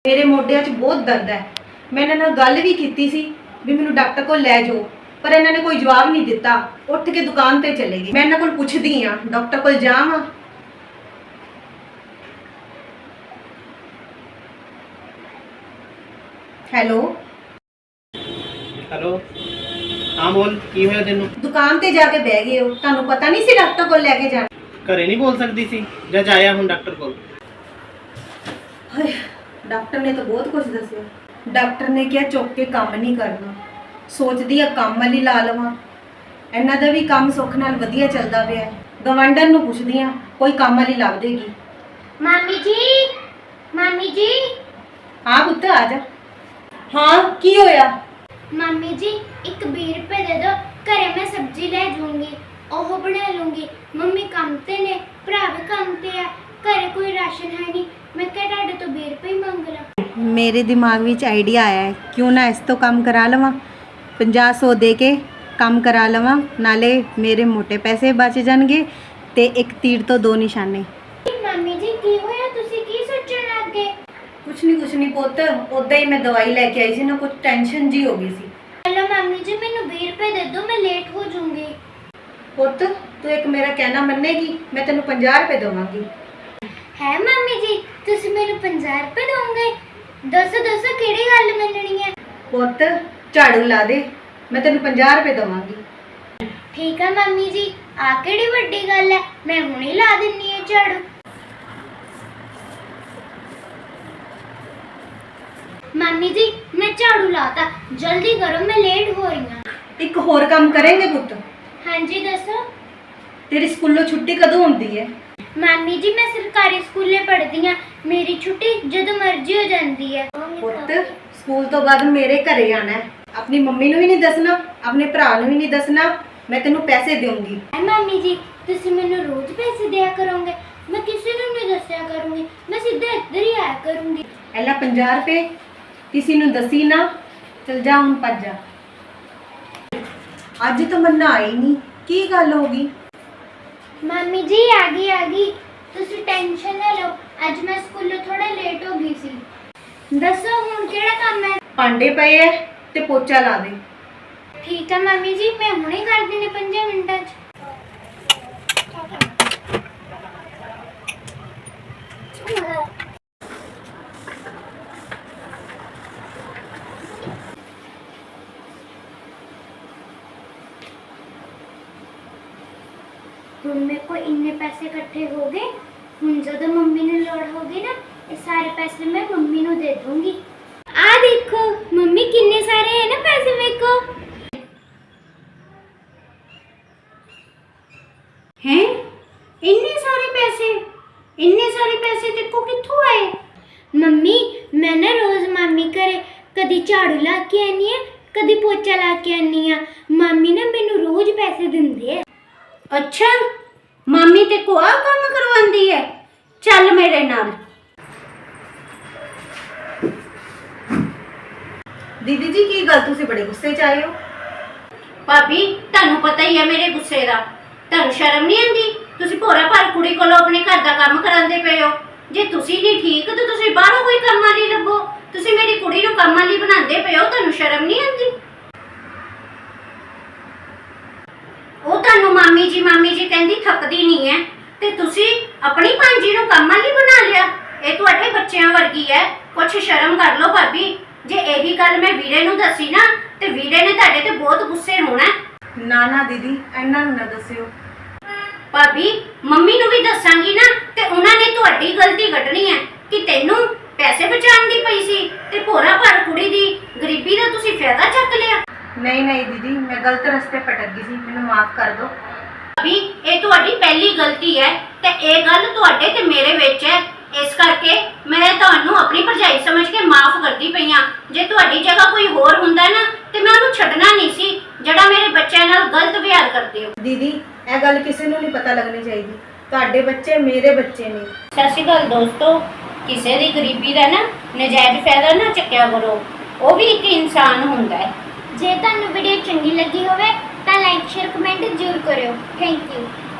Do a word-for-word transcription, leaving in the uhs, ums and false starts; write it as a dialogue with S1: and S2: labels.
S1: मेरे मोढिਆਂ 'ਚ बहुत दर्द है। मैं इन्हां नाल गल भी कीती सी भी मैनूं डॉक्टर कोल लै जाओ, पर इन्हां ने कोई जवाब नहीं दिता। उठ के दुकान ते चले गए। मैं इन्हां कोल पुछदी हां डॉक्टर कोल जावां। हेलो
S2: हेलो हाँ बोल की होया तेनू?
S1: दुकान ते जाके बह गए हो, तुहानूं पता नहीं सी डॉक्टर कोल लैके जाना?
S2: घरे नहीं बोल सकती सी जा जाया हूँ डॉक्टर कोल।
S1: हाय, डॉक्टर ने तो बहुत कुछ दसिया। डॉक्टर ने क्या चुक के काम नहीं करना, सोचदी आ काम वाली ला लवां। इन्हां दा भी काम सुख नाल वधिया चलदा पिया। गवांढण नूं पुछदी आ कोई काम वाली लभ देगी।
S3: मामी जी, मामी जी।
S1: हाँ पुत्त आ जा। हाँ की होया?
S3: मामी जी एक बीस रुपए दे दो, घरे मैं सब्जी ले जाऊंगी, ओह बना लूंगी। मम्मी काम ते ने, भरा भी काम ते है, घरे कोई राशन है नहीं, मैं क्या तुहाडे तो बीस रुपए ही मंग ला।
S1: मेरे दिमाग में आइडिया आया है, क्यों ना इस तो काम करा लवां। पचास सौ दे के काम करा लवां, नाले मेरे मोटे पैसे बच जाणगे ते एक तीर तो दो निशाने।
S3: मामी जी की होया, तुसी की सोचण लग गए?
S1: कुछ नहीं कुछ नहीं पुत्त, उदा ही मैं दवाई लेके आई सी ना, कुछ टेंशन जी हो गई सी।
S3: हेलो मामी जी, मैनू बीस रुपए दे दो, मैं लेट हो जाऊंगी।
S1: पुत्त तू एक मेरा कहना मन्नेगी, मैं तेनू पंजाह रुपए देवांगी।
S3: है मामी जी तुसी मैनू पचास रुपए दोगे? दसो दसो किहड़ी गल मननी है?
S1: पुत्त झाड़ू ला दे, मैं तेनू पंजाह रुपए देवांगी।
S3: ठीक है मामी जी, आ किहड़ी वड्डी गल है, मैं हुणे ला दिन्नी है झाड़ू। मामी जी मैं झाड़ू लाता, जल्दी करो मैं लेट हो रही हूँ।
S1: एक होर काम करेंगे पुत्त?
S3: हाँ जी दसो।
S1: तेरी स्कूलों छुट्टी कदों होंदी है?
S3: मामी जी मैं सरकारी स्कूले पढ़दी हाँ, मेरी छुट्टी जदों मर्जी हो जाती है।
S1: पुत्त स्कूल तो बाद मेरे घरे आना है, अपनी मम्मी नूं भी नहीं दसना, अपने भरा नूं भी नहीं दसना, मैं तेनू पैसे दूंगी।
S3: मामी जी तुसी मैनू रोज पैसे दिया करोगे, मैं किसी नूं नहीं दस्या करूंगी, मैं सीधा इधर ही आया करूंगी।
S1: एला पंजाह रुपए किसी नूं दसी ना, चल जा हुण भज जा। अज तो मन्ना आई नहीं, की गल हो गई?
S3: मामी जी आ गई आ गई, तुसी टेंशन ना लो, अज मैं स्कूलों थोड़ा लेट हो गई सी। दसो हुण किहड़ा काम है?
S1: भांडे पए है ते पोचा ला दे।
S3: ठीक है मामी जी, मैं हुणे कर देने पंजे मिनटां च। हुण मेरे को इन्ने पैसे इकट्ठे हो गए, हुण जदों मम्मी नूं लोड़ होगी ना, ये सारे पैसे मैं मम्मी नूं दे दूंगी। आ देखो मम्मी कितने सारे हैं ना पैसे मेरे को। हैं इतने सारे पैसे, इतने सारे पैसे तेरे को कित्थों आए? मम्मी मैं ना रोज मामी घरे कदी झाड़ू ला के आनी है, कदी पोचा ला के आनी है, मामी ना मैनू रोज पैसे दिंदे है।
S4: अच्छा मामी ते को आ काम करवांदी है, चल मेरे नाल।
S1: दीदी जी की गल तुसीं बड़े गुस्से च आए हो?
S4: भाभी तानू पता ही है मेरे गुस्से दा, तानू शर्म नहीं आंदी? तुसी भोरा भर कुड़ी कोलों अपने घर दा काम करांदे पे हो। जे तुसी नहीं ठीक तो तुसी बाहरों कोई काम वाली लभो, तुसी मेरी कुड़ी नूं काम वाली बनांदे पे हो, तानू शर्म नहीं आंदी? ਉਹ ਤੁਹਾਨੂੰ ਮਾਮੀ ਜੀ ਮਾਮੀ ਜੀ ਕਹਿੰਦੀ ਥੱਕਦੀ ਨਹੀਂ ਹੈ ਤੇ ਤੁਸੀਂ ਆਪਣੀ ਭਾਂਜੀ ਨੂੰ ਕੰਮ ਵਾਲੀ ਬਣਾ ਲਿਆ। ਇਹ ਤੁਹਾਡੇ ਬੱਚਿਆਂ ਵਰਗੀ ਹੈ, ਕੁਛ ਸ਼ਰਮ ਕਰ ਲਓ ਭਾਬੀ। ਜੇ ਇਹੀ ਗੱਲ ਮੈਂ ਵੀਰੇ ਨੂੰ ਦੱਸੀ ਨਾ ਤੇ ਵੀਰੇ ਨੇ ਤੁਹਾਡੇ ਤੇ ਬਹੁਤ ਗੁੱਸੇ ਹੋਣਾ।
S1: ਨਾ ਨਾ ਦੀਦੀ ਇਹਨਾਂ ਨੂੰ ਨਾ ਦੱਸਿਓ।
S4: ਭਾਬੀ ਮੰਮੀ ਨੂੰ ਵੀ ਦੱਸਾਂਗੀ ਨਾ ਤੇ ਉਹਨਾਂ ਨੇ ਤੁਹਾਡੀ ਗਲਤੀ ਕੱਢਣੀ ਹੈ ਕਿ ਤੈਨੂੰ ਪੈਸੇ ਬਚਾਉਣ ਦੀ ਪਈ ਸੀ ਤੇ ਭੋਰਾ ਭਰ ਕੁੜੀ ਦੀ ਗਰੀਬੀ ਦਾ ਤੁਸੀਂ ਫਾਇਦਾ ਚੱਕ ਲਿਆ।
S1: नहीं नहीं दीदी मैं गलत रास्ते भटक गई सी, मैनू माफ कर दो।
S4: अभी ये तुम्हारी पहली गलती है ते ये गल तुहाडे ते मेरे विच है, इस करके मैं तुहानू अपनी भरजाई समझ के माफ करती पई हां। जे तुहाडी जगह कोई होर हुंदा ना ते मैं उहनू छड्डना नहीं सी जिहड़ा मेरे बच्चों नाल गलत व्यवहार करदे हो।
S1: दीदी यह गल किसी नू नहीं पता लगनी चाहिए, तुहाडे बच्चे मेरे बच्चे ने।
S4: सत श्री अकाल दोस्तों, किसी दी गरीबी दा ना नजायज फायदा ना चक्या करो, वो भी एक इंसान हुंदा है।
S3: जे तुहानू वीडियो चंगी लगी होवे तां लाइक शेयर कमेंट जरूर करियो। Thank you.